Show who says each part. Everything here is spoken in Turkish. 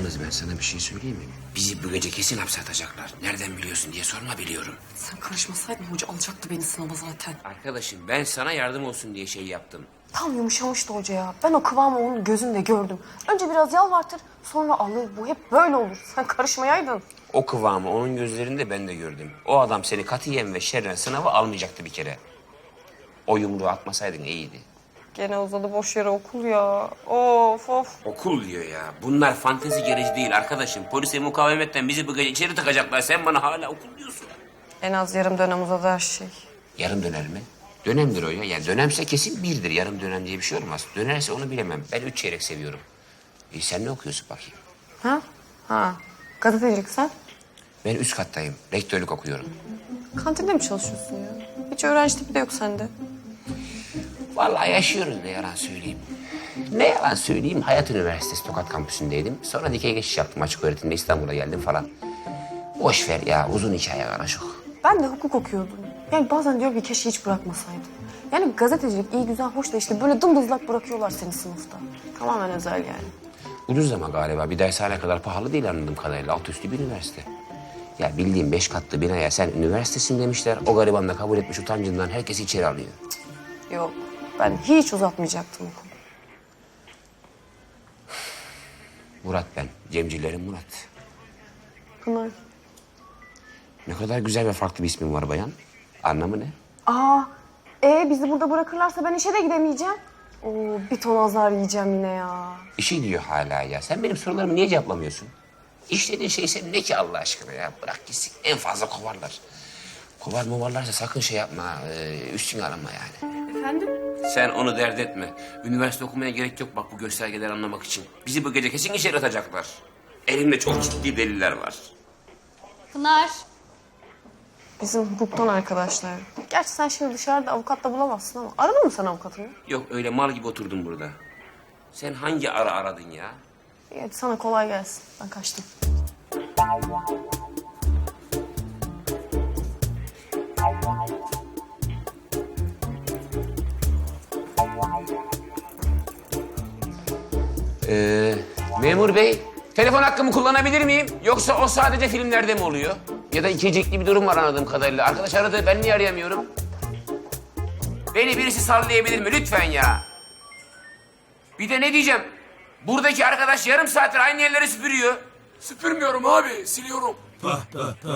Speaker 1: Yalnız ben sana bir şey söyleyeyim mi? Bizi bu gece kesin hapse atacaklar. Nereden biliyorsun diye sorma, biliyorum.
Speaker 2: Sen karışmasaydın hoca alacaktı beni sınava zaten.
Speaker 1: Arkadaşım ben sana yardım olsun diye şey yaptım.
Speaker 2: Tam yumuşamıştı hoca ya. Ben o kıvamı onun gözünde gördüm. Önce biraz yalvartır, sonra alır. Bu hep böyle olur. Sen karışmayaydın.
Speaker 1: O kıvamı onun gözlerinde ben de gördüm. O adam seni katiyen ve şerren sınava almayacaktı bir kere. O yumruğu atmasaydın iyiydi.
Speaker 2: Gene uzadı boş yere okul ya. Of of.
Speaker 1: Okul diyor ya. Bunlar fantezi gereci değil arkadaşım. Polise mukavemetten bizi bu gece içeri takacaklar. Sen bana hala okul diyorsun.
Speaker 2: En az yarım dönem uzadı her şey.
Speaker 1: Yarım döner mi? Dönemdir o ya. Yani dönemse kesin birdir. Yarım dönem diye bir şey olmaz. Dönerse onu bilemem. Ben 3 çeyrek seviyorum. Sen ne okuyorsun bakayım?
Speaker 2: Ha? Ha. Gazetecilik sen?
Speaker 1: Ben üst kattayım. Rektörlük okuyorum.
Speaker 2: Kantinde mi çalışıyorsun ya? Hiç öğrenci tipi de yok sende.
Speaker 1: Vallahi yaşıyoruz, ne yalan söyleyeyim. Ne yalan söyleyeyim, Hayat Üniversitesi Tokat Kampüsü'ndeydim. Sonra dikey geçiş yaptım, açık öğretimde İstanbul'a geldim falan. Boş ver ya, uzun hikaye karışık.
Speaker 2: Ben de hukuk okuyordum. Yani bazen diyorum ki keşke hiç bırakmasaydım. Yani gazetecilik iyi güzel hoş da işte böyle dımdızlak bırakıyorlar seni sınıfta. Tamamen özel yani.
Speaker 1: Ucuz ama galiba, bir dershane kadar pahalı değil anladığım kadarıyla. Alt üstü bir üniversite. Ya bildiğim 5 katlı binaya sen üniversitesin demişler. O gariban da kabul etmiş utancından herkesi içeri alıyor.
Speaker 2: Yok, ben hiç uzatmayacaktım okulu.
Speaker 1: Murat ben, Cemcilerin Murat.
Speaker 2: Pınar.
Speaker 1: Ne kadar güzel ve farklı bir ismin var bayan. Anlamı ne?
Speaker 2: Bizi burada bırakırlarsa ben işe de gidemeyeceğim. Oo, bir ton azar yiyeceğim yine ya.
Speaker 1: Bir şey diyor hala ya. Sen benim sorularımı niye cevaplamıyorsun? İşlediğin şey senin ne ki Allah aşkına ya? Bırak gitsin. En fazla kovarlar. Kovar movarlarsa sakın şey yapma. Üstüne alınma yani.
Speaker 2: Efendim?
Speaker 1: Sen onu dert etme. Üniversite okumaya gerek yok bak bu göstergeleri anlamak için. Bizi bu gece kesin içeri atacaklar. Elimde çok ciddi deliller var.
Speaker 3: Pınar.
Speaker 2: Bizim hukuktan arkadaşlar. Gerçi sen şimdi dışarıda avukat da bulamazsın ama. Aradın mı sen avukatını?
Speaker 1: Yok öyle mal gibi oturdum burada. Sen hangi ara aradın ya?
Speaker 2: İyi, hadi sana kolay gelsin. Ben kaçtım.
Speaker 1: Memur bey, telefon hakkımı kullanabilir miyim? Yoksa o sadece filmlerde mi oluyor? Ya da ikicikli bir durum var anladığım kadarıyla. Arkadaş aradı, ben niye arayamıyorum? Beni birisi sallayabilir mi lütfen ya? Bir de ne diyeceğim? Buradaki arkadaş yarım saattir aynı yerleri süpürüyor.
Speaker 4: Süpürmüyorum abi, siliyorum.